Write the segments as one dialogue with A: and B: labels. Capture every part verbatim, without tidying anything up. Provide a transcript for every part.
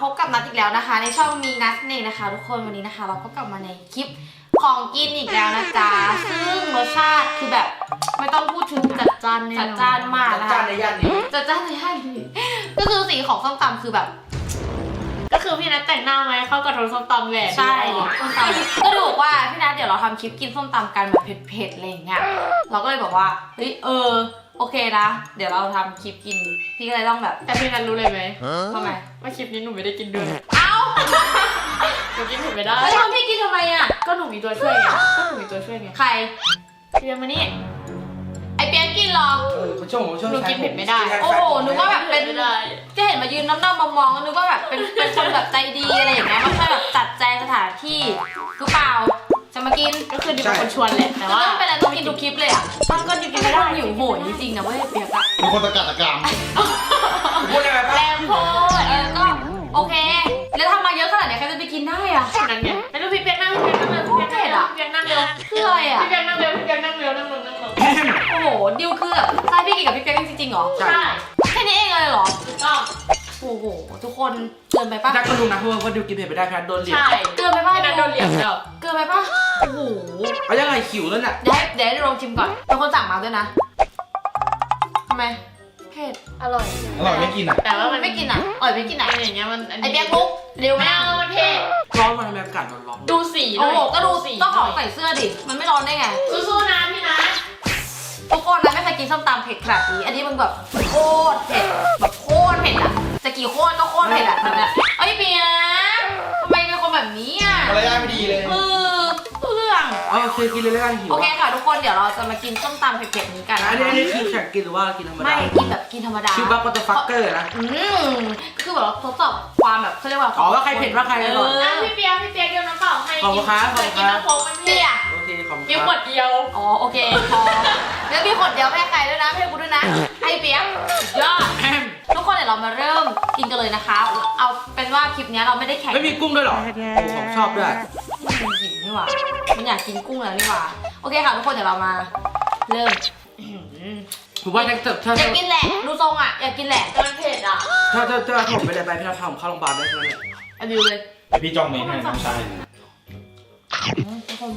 A: พบกับนัทอีกแล้วนะคะในช่องมีนัทเองนะคะทุกคนวันนี้นะคะเราก็กลับมาในคลิปของกินอีกแล้วนะจ๊ะซึ่งรสชาติคือแบบไม่ต้องพูดถึงจัดจ้านจัดจ้านมากนะคะ
B: จัดจ้านในย่านนี้
A: จัดจ้านในย่านนี้ก็คือสีของส้มตำคือแบบ
C: ก็คือพี่นัทแต่งหน้าไหมเข้ากับรสส้มตำแหละ
A: ใช่ส้มตำก็ดูบอกว่าพี่นัทเดี๋ยวเราทำคลิปกินส้มตำกันแบบเผ็ดๆอะไรอย่างเงี้ยเราก็เลยบอกว่าเฮ้ยเออโอเคนะเดี๋ยวเราทำคลิปกินพี่ก็เลยต้องแบบ
C: แต่พี่นัทรู้เลยไหม
A: ทำไม
C: ว่าคลิปนี้หนูไม่ได้กินด้วย
A: เอ้า
C: หนูกินเผ็ดไม่ได้
A: แล้วทำพี่กินทำไมอ่ะ
C: ก็หนูมีตัวช่วยไงก็หนูมีตัวช่วยไง
A: ใคร
C: เปียมานี่
A: ไอเปียกกินหรอ
B: เออเขาช่วงผมช่วง
C: หนูกินเผ็ดไม่ได้
A: โอ้โหนึกว่าแบบเป็นจะเห็นมายืนน้ำหน้ามองๆนึกว่าแบบเป็นเป็นคนแบบใจดีอะไรอย่างเงี้ยไม่ใช่แบบจัดแจงสถานที่หรือเปล่าจะมากิน
C: ก็คือดิเป็นคนชวนแหละแต่ว่า
A: เป็นอะไรต้องกินทุกคลิปเลยอ่ะ
C: มันก็ดิบกินไม่ได้
A: หิวโหยจริงๆนะเว้ยเปียกอะ
D: เป็นคนตะกัดตะกราม
B: พูดอะไรบ้าง
A: แรงโพดเออก็โอเคแล้วทำมาเยอะขนาดไหนใครจะไปกินได้อ่ะ
C: นั่นไงแล้วดูพี่เปียกนั่งพี่เปียกนั่งเลยพี่เปียกเผ็ดอ่ะพี่เปียกนั่งเร็ว
A: คืออะไรอ่ะ
C: พี่เปียกนั่งเร็วพี่เปียกนั่งเร็วนั่งลงนั่งลง
A: โอ้โหดิวคือแบบใช่พี่กินกับพี่เปียกจริงๆเหรอ
C: ใช่
A: แค่นี้เองเลยเหรอ
C: ถูกต้อง
A: โอ้โหทุกคนเกินไปป่ะ
B: จักก็รู้นะเพราะว่าดิวกินเผ็ดไม่ได้แพทโดนเหลี่ยม
C: ใช่
A: เกินไปป่ะ
C: โดนเหลี่ยมแล้ว
A: เกินไปป่ะโอ้โห
B: เอายังไงขิวแล้วเนี่ย
A: เดี๋ยวเดี๋ยวลองชิมก่อนเป็นคนสั่งมาด้วยนะทำไมเผ็ด
C: อร่อย
D: อร่อยไม่กินอ่ะ
C: แต่ว่ามัน
A: ไม่กินอ่ะอร่อยไม่กินอ่ะ
C: อย่างเงี้ยมัน
A: ไอเปียกลุกเร็ว
C: ไม่เอามันเผ็ด
B: ร้อนมันอากาศร้อน
C: ดูสี
A: โอ้โหก็ดูสีต้องของใส่เสื้อดิมันไม่ร้อนได้ไง
C: สู้ๆนะพี่นะ
A: ทุกคนนะไม่เคยกินส้มตำเผ็ดขนาดนี้อันนี้มันแบบโคตรเผ็ดแบบโคตรเผ็ดอ่ะจะกี่โคตรก็โคตรเผ็ดอ่ะแบบเนี้ยไอ้เปียกทำไมเป็นคนแบบนี้อ่ะ
D: มารยาทไม่ดีเลย
A: เออเรื่อง
B: เออเคยกินเลยแล้วกันหิว
A: โอเคค่ะทุกคนเดี๋ยวเราจะมากินส้มตำเผ็ดๆนี้กัน
B: อันนี้อันนี้คือแข่งกินหรือว่ากินธรรมดา
A: ไม่กินแบบกินธรรมดา
B: คือบัคก็จะฟักเกอร์นะ
A: อืมคือแบบทดสอบความแบบเขาเรียกว่า
B: อ๋อว่าใครเผ็ดว่าใครอร่อย
C: พี่เปียกพี่เปียกเดียวน้ำเปล่าให้
B: ขอบคุณครับขอบคุณครับ
C: กินน้ำโค้กมันเปียก
B: โอเคขอบคุณ
C: กินขวดเดียว
A: อ๋อโอเคพอแล้วมีขวดเดียวไม่ให้ใครด้วยนะไม่ให้กูด้วยนะไอเปียกยอดทุกคนเดี๋ยวเรามาเริ่มกินกันเลยนะคะเอาเป็นว่าคลิปนี้เราไม่ได้แข่ง
B: ไม่มีกุ้งด้วยหรอผมชอบด้วย
A: มันหิวนี่หว่ามันอยากกินกุ้งแล้วนี่หว่าโอเคค่ะทุกคนเดี๋ยวเรามาเริ่ม
B: ผมว่าถ้าถ้า
A: อยากกินแหละดูทรงอ่ะอยากกินแหละ
C: มันเผ็ดอ่ะ
B: ถ้าถ้าถ้าผมไปเลยไปพี่นัททำเข้าโรงพยาบาลได้เลย
A: อันนี้เลย
D: แต่พี่จ้องเมย์ให้น้องชาย
A: ทุกคน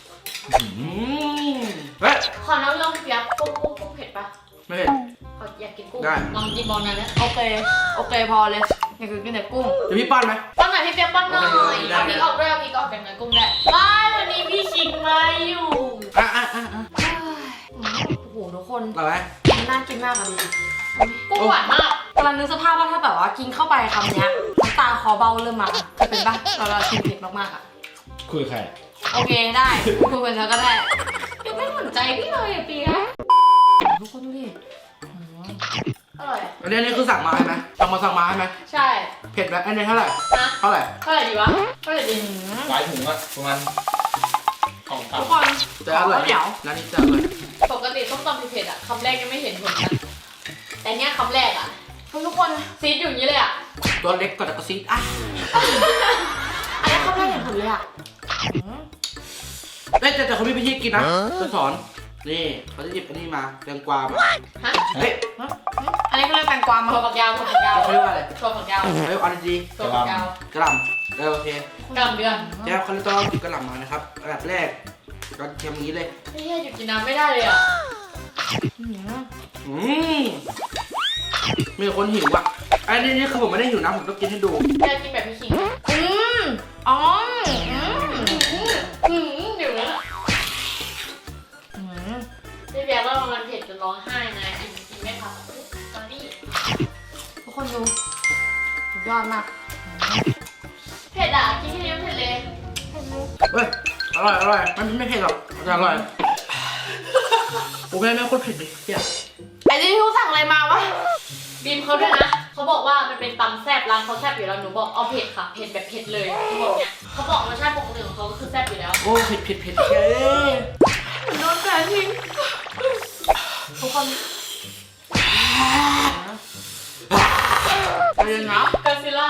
B: เฮ้ย
C: ขอน้ำลงเปียกกุ้งกุ้งกุ้งเผ็ดปะ
B: ไม่เผ็ด
C: ขออยากกินกุ้ง
B: ได้
C: ลองกินบอลนั่นแหละ
A: โอเคโอเคพอเลยอยากกินแต่กุ้ง
B: เดี๋ยวพี่ป้อนไหม
C: ป้อนหน่อยพี่เปียกป้อนหน่อยเอาพริกออกด้วยเอาพริกออกกันหน่อยกุ้งได้ไม่วันนี้พี่ชิงมาอยู่
B: อ่ะอ่ะอ่ะอ่ะ
A: โอ้โหทุกคน
B: อร่อยไหม
A: น่ากินมากอะดิ
C: กุ้งหวานมาก
A: กำลังนึกสภาพว่าถ้าแบบว่ากินเข้าไปคำนี้น้ำตาคอเบ้าเริ่มมาจะเป็นปะเราเรากินเผ็ดมากๆอะ
D: คุยใคร
A: โอเคได้คุยกันแล้วก็ได้ยังไม่สนใจพี่เลยอะเปียทุกคนดูดิ
C: อร่อย
B: อันนี้อันนี้คือสั่งมาใช่ไหมสั่งมาสั่งมาใช่ไหม
C: ใช่
B: เผ็ดไหมอันนี้เท่าไหร่
C: นะ
B: เท่าไหร่
C: เท่าไหร่ดีวะเท่าไหร่ดี
D: หลายถุงอะประมาณสองสาม
A: ทุกคน
B: จะอร่อยเดี๋ยวร้านนี้จะอร่อย
C: ปกติต้มตำเผ็ดๆอ่ะคำแรกยังไม่เห็นผลนะแต่เนี้ยคำแรกอ่ะ
A: ทุกคน
C: ซีดอยู่อย่างนี้เลยอ่ะ
B: ตัวเล็กก็แต่ก็ซีดอ่ะ
A: อันนี้คำแรกเห็นผลเลยอ่ะ
B: เอ้ยแต่แต่เขามีวิธีกินนะจะสอนนี่เขาจะหยิบอันนี้มาแตงกวามา
C: ฮะ
B: เฮ้ย
A: อันนี้เขาเรียกแตงกวามา
C: ถั่วฝักยาวถั่วฝักยาว
B: เขาเรียกว่าอะไร
C: ถั่วฝักยาว
B: เฮ้ยอันนี้
C: ถั่วฝักยาว
B: กระหล่ำเออโอเค
C: กระหล่ำเดือน
B: เดี๋ยวเขาต้องหยิบกระหล่ำมานะครับอันดับแรกก็เทียมนี้เลย
C: ไม่ใช่หยุดกินน้ำไม่ได้เลยอ่ะ
B: อืมมีคนหิวอ่ะอันนี้นี่คือผมไม่ได้หิวนะผมต้องกินให้ดู
C: แค่กินแบบพี่คิง
A: อืมอ๋อ
C: อืมหิวแล้วพี่เบียร์ว่ามันเผ็ดจนร้องไห้นะกินกินไม่ทันตอนนี้
A: ทุกคนดูยอดมาก
C: เผ็ดอ่ะกินแค่นี้เผ็ดเลย
B: เฮ้ยอร่อยอร่อยมันไม่เผ็ดหรอกแต่อร่อยโอ้แม่แม่โคตรเผ็ดดิเฮีย
A: ไอ้ที่พี่สั่งอะไรมาวะ
C: บีมเขาด้วยนะเขาบอกว่ามันเป็นตำแซ่บร้านเขาแซ่บอยู่แล้วหนูบอกเอาเผ็ดค่ะเผ็ดแบบเผ็ดเลยเขาบอกเนี้ยเขาบอกรสชาติปกติของเขาก็คือแซ่บอยู่แล้ว
B: โอ้เผ็ดเผ็ดเผ็ดเย้
A: โดนแฟนทิ้งทุกคนไปเลยนะ
C: กาซิล่า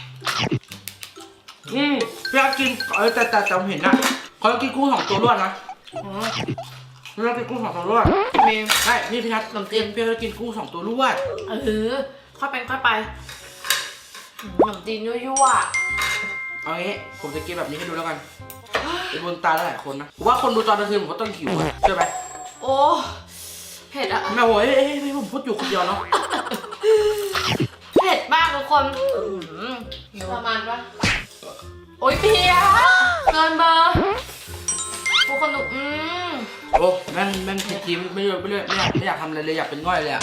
B: อืมพี่อากินเออแต่แต่แต่ผมเห็นนะเขาจะกินกุ้งสองตัวรวดนะพี่อากินกุ้งสองตัวรวด
A: มี
B: ใช่นี่พี่นัทลำเตียนพี่อากินกุ้งสองตัวรวด
A: เออค่อยไปค่อยไปขนมจีนยั่ว
B: เอางี้ผมจะกินแบบนี้ให้ดูแล้วกันเป็นบนตาหลายคนนะผมว่าคนดูตอนกลางคืนผมก็ต้องหิวอะใช่ไหม
A: ๆโอ้เผ็ดอะ
B: แม่โว้ยเอ้ยเอ้ยผมพูดอยู่คนเดียวเนาะ
A: เผ็ดมากทุกคนอื้อหือ
C: ประมาณว่า
A: โอ๊ยเปียเกินเบอร์ทุกคนดูอืม
B: โอ้แม่งแม่งเผ็ดจริงไม่เลือกไม่เลือกไม่อยากไม่อยากทำอะไรเลยอยากเป็นง่อยเลยอะ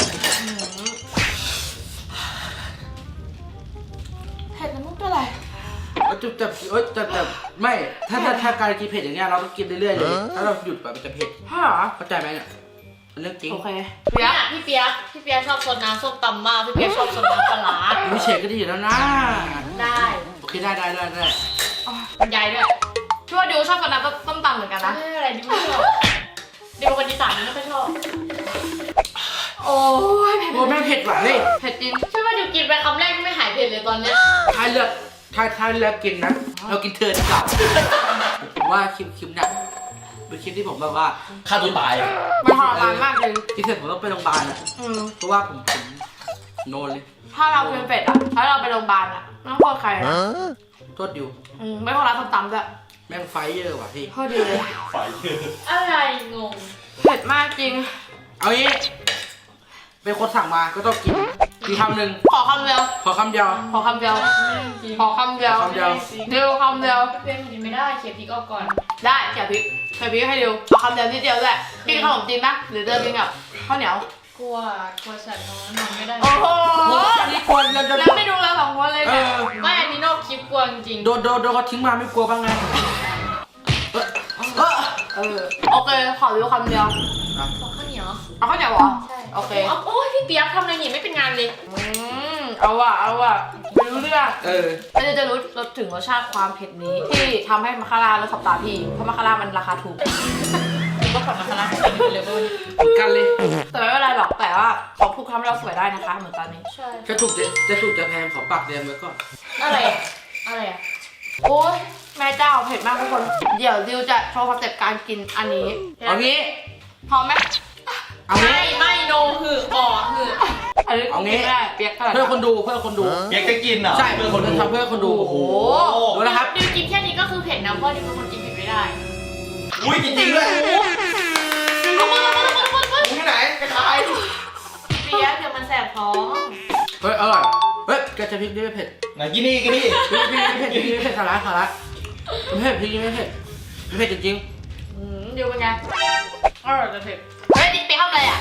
A: เผ็ดมันไม่เป็นไร
B: แล้วจะจะเอ้ยแต่แต่ไม่ถ้าถ้าถ้าการกินเผ็ดอย่างเงี้ยเราต้องกินเรื่อยๆเลยถ้าเราหยุดแบบมันจะเผ็ด
A: ใช่เหรอ
B: เข้าใจไหมเนี่ยเป็นเรื่องจริง
A: โอเค
C: เปียกพี่เปียกพี่เปียกชอบซดน้ำส้มตำมากพี่เปียกชอบซดน้ำปลาร้า
B: มีเฉดก็ดีอยู่แล้วนะ
C: ได้
B: โอเคได้ได้ได้ได้
C: บรรยายด้วย
A: พี่ว่าดิวชอบกินน้ำต้มตำเหมือนกันนะ
C: ไม่อะไรดิวไม่ชอบดิวเป็นคนอีสานไม่ค่อยชอบ
A: โอ้ยเผ็ด
B: โอ้แม่งเผ็ดหวานเลย
A: เผ็ดจริง
C: ใช่ว่าดิวกินไปคำแรกไม่หายเผ็ดเลยตอนเนี้ย
B: ถ้าเลือกถ้าถ้าเลือกกินนะเรากินเธอดีกว่าผมว่าคลิปคลิปเนี่ยเป็นคลิปที่ผมแบบว่า
D: ฆ่าตัวตายอ่ะ
A: มันทรมานมากเลย
B: กินเสร็จผมต้องไปโรงพยาบาลอ่ะ
A: อืม
B: เพราะว่าผมผมโนนเลย
A: ถ้าเราเป็นเป็ดอะถ้าเราไปโรงพยาบาลอะไม่ต้องโทษใครนะ
B: โทษอยู่
A: อืมไม่ต้องร้านส้มตำด้วย
B: แม่งไฟเยอะว่ะพี่
A: โทษดีเลย
D: ไฟ
C: อะไรงง
A: เผ็ดมากจริง
B: เอางี้เป็นคนสั่งมาก็ต้องกินกินคำหนึ่ง
A: ขอคำเดียว
B: ขอคำเดียว
A: ขอคำเดียว ขอคำเดียว
B: คำเดียว
A: ดิวคำเดียว
C: เพื่อนกินไม่ได้เขียพริกออกก่อน
A: ได้เขียวพริกเขียวพริกให้ดิวเอาคำเดียวนิดเดียวแหละกินขนมจีนปะหรือเดินกินกับข้าวเหนียว
C: กลัวกลัวสัตว์น้องนอนไม่ได้
A: โอ้โห
B: โอ้ยอันนี้ควรเราจะ
A: แล้วไม่ดูเราสองคนเลย
B: เอ
A: เนี่ย
B: อ
C: ไม่อันนี้นอกคลิปกลัวจริง
B: โดนโดนโดนเขาทิ้งมาไม่กลัวบ้างไงเออเออ
A: เออโอเคขอดิวคำเดียว
B: อ่ะ
C: ๆขอข้าวเหนียว
A: เอาข้าวเหนียวเหรอ
C: ใช่
A: โอเค
C: าโอ้ยพี่เปียกทำอะไรนี่ไม่เป็นงานเลย
A: อืมเอาว่ะเอาว่ะไม่รู้เรื่อง
B: เออ
A: เราจะรู้รสถึงรสชาติความเผ็ดนี้ที่ทำให้มาคาร่าเลิกขับตาพี่เพราะมาคาร่ามันราคาถูก
C: ก็ขอมาคาราเป็นเลยเว้ย
B: เหมือนกันเลย
A: แต่ไม่เป็นไรหรอกแต่ว่าเขาพูดคำให้เราสวยได้นะคะ เหมือนตอนนี้
C: ใช่
B: จะถูกจะจะถูกจะแพงขอปากแดงไว้ก่อน
C: อะไรอะอะไรอะ
A: โอ้ยแม่เจ้าเผ็ดมากทุกคน เดี๋ยวดิวจะโชว์สเต็ปการกินอันนี้
B: เอางี้
A: พร้อมไหม
B: เอางี้
C: ไม่ไม่โนหือบ่อหือ
A: อันนี้
B: เอางี้
A: กินไม่ได้เปียกเท่าไหร่
B: เพื่อคนดูเพื่อคนดู
D: เปียกจะกินเหรอ
B: ใช่เพื่อคนดูทำเพื่อคนดู
A: โอ้โห
B: ดูนะครับ
C: ดิวกินแค่นี้ก็คือเผ็ดนะเพราะดิวเป็นคนกินเผ็ดไม่ได้
D: อุ้ยจริงๆด้วย
C: เอามาเอามาเอามาเอามา
D: ที่ไหนกระชาย
C: เปียกเดี๋ยวมันแสบท้อง
B: เฮ้ยอร่อยเฮ้ยแกจะพริกนี่ไม่เผ็ด
D: ไหนกินนี่กินนี่
B: พริกนี่ไม่เผ็ดพริกนี่ไม่เผ็ดสาระสาระไม่เผ็ดพริกนี่ไม่เผ็ดไม่เผ็ดจริง
A: อืมดิวเป็นไงอร่อยจะเผ็ดเฮ้ยดิเปียกทำอะไรอ่ะ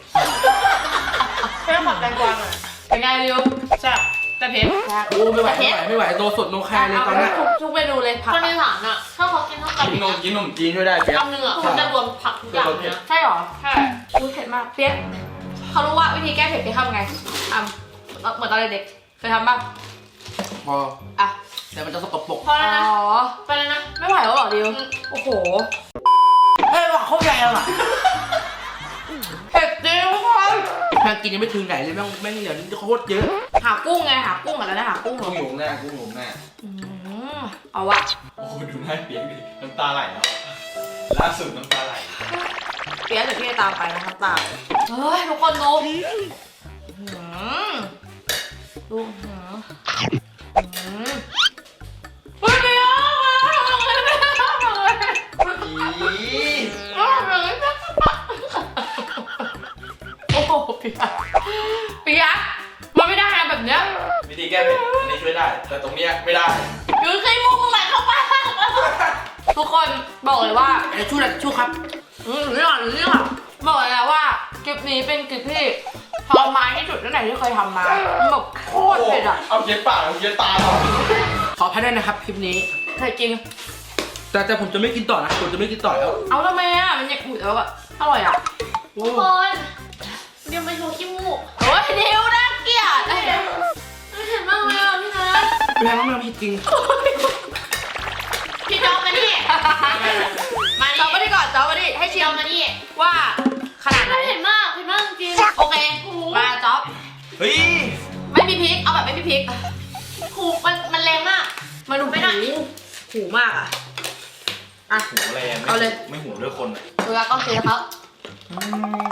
A: เปียกผัดแตงกวาหน่อยเป็นไงดิวแซ่บแต่เผ็ด
B: ๆโอ้ไม่ไหวไม่ไหวไม่ไหวโนสดโนแคร์เลยตอนเนี้ย
A: ทุกทุกเมนูเลยผัก
C: คนอีสานอะถ้าเขากินข้าว
D: กินนมกินนมจีนด้วยได้เปียก
C: คำหนึ่งอะเขาจะรวมผักทุกอย่างเลยนะ
A: ใช่หรอใช่อุ้ยเผ็ดมากเปียกเขารู้ว่าวิธีแก้เผ็ดเปียกทำไงทำเหมือนตอนเด็กๆเคยทำบ้าง
B: พอ
A: อ่ะ
B: แต่มันจะสกปรก
C: พอแล้วนะ
A: อ๋อ
C: ไปแล้วนะ
A: ไม่ไหวแล้วเหรอดิวโอ้โห
B: เฮ้ยว่าเขาแรงอ่ะ
A: เผ็ดจริงทุกคน
B: แพงกินยังไม่ถึงไหนเลยแม่งแม่งเหลือโคตรเยอะ
A: หากุ้งไงหากุ้งอะไรนะหากุ้งเหร
D: กุ้
A: อง
D: หยุมแน่กุ้งหยุมแน่
A: อืมเอาวะ
D: โอ้โหดูหน้าเปียกดิน้ำตาไหลแล้วล่าสุดน้ำตาไหล
A: เปียกเดี๋ยวพี่จะตามไปนะครับตามเฮ้ยทุกคนดูอืมดูอืมอืมเฮ้ยเปียก
D: อี
A: โอ้โหเปียกเปียกมันไม่ได้นะแบบเนี้ย
D: วิธีแก้เผ็ดอันนี้ช่วยได้ แต่ตรงเนี้ยไม่ได้
A: อยู่ใครมุมไหนเข้ามาทุกคนบอกเลยว่า
B: ไอ้ชู้แหละชู้ครับ
A: อืมเรื่องเรื่องบอกเลยนะว่าคลิปนี้เป็นคลิปที่ทรมานที่สุดตั้งแต่ที่เคยทำมามันแบบโคตรเผ็ดอ่ะ
D: เอาเย็ดปากเอาเย็ดตาเรา
B: ขออภัยด้วยนะครับคลิปนี้
A: เผ็ดจริง
B: แต่แต่ผมจะไม่กินต่อนะผมจะไม่กินต่อแล้ว
A: เอาทำไมอ่ะมันยังอุ่นแล้วอ่ะอร่อยอ่ะ
B: โอ้
C: ทุกคนเดี๋ยวไปโชว์ขี้มูก
A: โอ้ยดิวน่าเกลียด
C: ไม่เห็นมากเลยอ่ะพี่นัท
B: แพงมากๆผิดจริง
C: พี่จอมมานี่มา
A: จอมา
C: นี่
A: ดิก่อนจอมาดิให้ชิ
C: จอ
A: ม
C: มมานี่
A: ว่าขนาดไหน
C: ไม่เห็นมากเห็นมากจริง
A: โอเคมาจ๊อบ
D: เฮ้ย
A: ไม่มีพริกเอาแบบไม่มีพริก
C: หูมันมันแรงมาก
A: มันดู
C: ไม่ได้
A: หูหูมากอ่ะอ่ะ
D: หูแรง
A: เอาเลย
D: ไม่หูด้วยคนอ่ะ
A: เวลาต้องเทครับ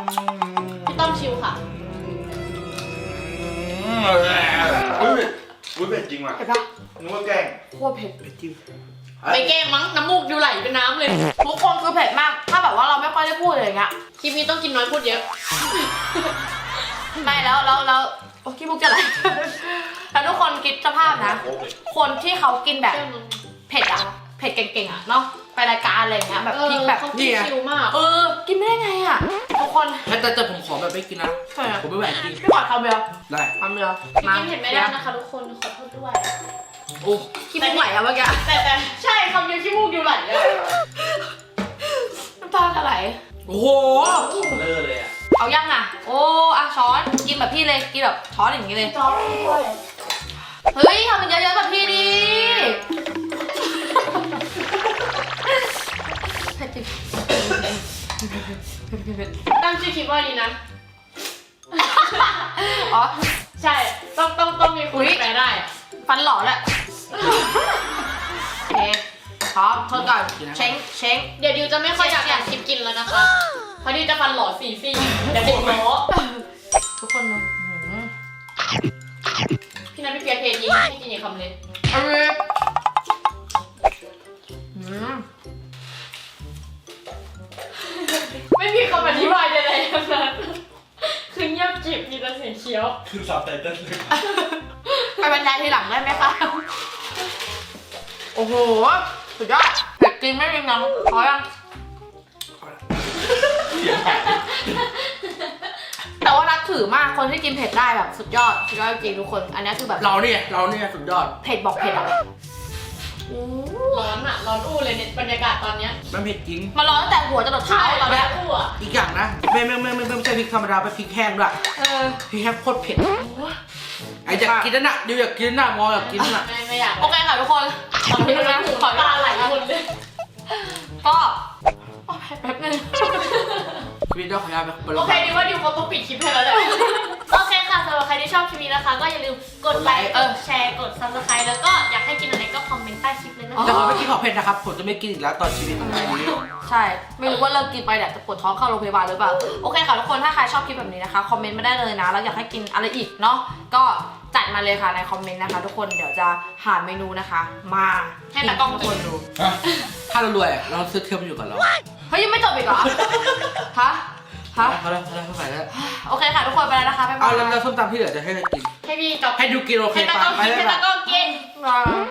C: พี่ต้อมชิวค่ะ
D: เฮ้ยอุ้ยเผ็ดจริงว่ะ
A: เผ็ดปะ
D: นึกว่าแกล้ง
A: โคตรเผ็ด
B: ไปจิ้ม
C: ไปแกล้งมั้งน้ำมูกอยู่ไหลเป็นน้ำเลย
A: ทุกคนคือเผ็ดมาก ถ้าแบบว่าเราไม่ค่อยได้พูดอะไรอย่างเงี้ย
C: คลิปนี้ต้องกินน้อยพูดเยอะ
A: ไม่แล้วแล้วแล้วโอ้ขี้มุกจะไหล แล้วทุกคนคิดสภาพนะ
D: โอ้ย
A: คนที่เขากินแบบเผ็ดอะเผ็ดเก่งๆอะเนาะไปรายการอะไรอย่างเงี้ยแบบพริกแบบ
C: เขากินชิวมาก
A: เออกินไม่ได้ไงอะทุกคน
B: แต่แต่ผมขอแบบไม่กินนะ
A: ใช่อะ
B: ผมไม่ไหวจริง
A: พี่ขอคำเดียว
B: ได้
A: คำเดียว
C: พี่กินเผ็ดไม่ได้นะคะทุกคนขอโทษด้วย
B: โอ้
A: ขี้มุกไหลอะเมื่อกี้
C: แต่แต่ใช่คำเดียวขี้มูกอยู่ไหลเลย
A: น้ำตาจะไหล
B: โอ้โห
D: เลอะเลยอ่ะ
A: เอายังอะโอ้อะช้อนกินแบบพี่เลยกินแบบช้อนอย่างนี้เลย
C: จ้องด้วย
A: เฮ้ยทำมันเยอะๆแบบพี่ดิเผ็ดจริง
C: ตั้งชื่อคลิปว่าดีนะ
A: อ๋อ
C: ใช่ ต้องต้องต้องมีคนแปลได้อะ
A: ฟันหล่อแหละโอเคพร้อมเพิ่มก่อนเช้งเช้ง
C: เดี๋ยวดิวจะไม่ค่อยอยากอยากคลิปกินแล้วนะคะ เพราะดิวจะฟันหล่อสี่ซี่เดี๋ยวเด็กล้อ
A: ทุกคนดูหืม
C: พี่นัทพี่เปียเทยิงให้กินอย่างคำเลย
A: อร่อยหืม
C: ไม่มีคำอธิบายใดๆทั้งนั้นคือเงียบกริบมีแต่เสียงเคี้ยว
D: คือซับไตเติ้ลเลย
A: ไปบรรยายทีหลังได้ไหมคะโอ้โหสุดยอดเผ็ดจริงไม่มีน้ำพอยัง
D: เสียงหาย
A: แต่ว่านับถือมากคนที่กินเผ็ดได้แบบสุดยอดสุดยอดจริงทุกคน อันนี้คือแบบ
B: เราเนี่ยเราเนี่ยสุดยอด
A: เผ็ดบอกเผ็ดอ่ะ
C: ร้อนอ่ะ ร้อนอู้เลยเนี่ยบรรยากาศตอนเนี้ย
B: มันเผ็ดจริง
A: มาร้อนตั้งแต่หัวจนเท้าตอน
C: แล้
A: เนี้
C: วย อู้อ่ะ
B: อีกอย่างนะไม่ไม่ไม่ไม่ไม่ใช่พริกธรรมดาเป็นพริกแห้งด้วย
A: เออ
B: พริกแห้งโคตรเผ็ดไอ้อยากกินนั่นน่ะดิวอยากกินนั่นน่ะมออยากกินนั่นน่ะ
C: ไม่ไม่อยาก
A: โอเคค่ะทุกคนขอ
C: พี่
A: พี่
C: นั
A: นะ
C: ทหู
A: ขอ
C: ตาไหลหมดเลย
A: ก็โอ้ยแป๊บนึง
B: ชีวิตเราขออนุญาตไป
C: โอเคดิวว่าดิวเขาต้องปิดคลิปให้แล้วแหละโอเคค่ะสำหรับใครที่ชอบคลิปนี้นะคะ ก็อย่าลืมกดไลค์กดแชร์กด ซับสไครบ์ แล้วก็อยากให้กินอะไรก็คอมเมนต์ใต้คลิปเลยนะ
B: แต่
C: คะ
B: ผมไม่กินของเผ็ดนะครับผมจะไม่กินอีกแล้วตอนชีวิตของผมนี้
A: ใช่ไม่รู้ว่าเลิกกินไปเนี่ยจะปวดท้องเข้าโรงพยาบาลหรือเปล่าโอเคค่ะทุกคนถ้าใครชอบคลิปแบบนี้นะคะคอมเมนต์มาได้เลยนะแล้วอยากให้กินอะไรอีกเนาะก็จัดมาเลยค่ะในคอมเมนต์นะคะ ทุกคนเดี๋ยวจะหาเมนูนะคะ มาให้ตากล้องทุกคนดู
B: ถ้าเรารวยเราซื้อเทียมอยู่กับเรา
A: เฮ้ยยังไม่จบอีกเหรอฮะฮะ
B: เขาแล้วเขาแล้วเขาไปแล้ว
A: โอเคค่ะทุกคนไปแล้วนะคะบ๊ายบา
B: เอา
A: ย
B: แล้วแล้วส้มตำที่เหลือจะให้ใครกิน
C: ให้พี่กับ
B: ให้ดูกินโอเค
C: ให้ตา
B: ปะ
C: กล้อง
B: ไป
C: กิน
B: ไป
C: ให้
B: ไป
C: ตากล้องกิน
A: บ๊ายบาย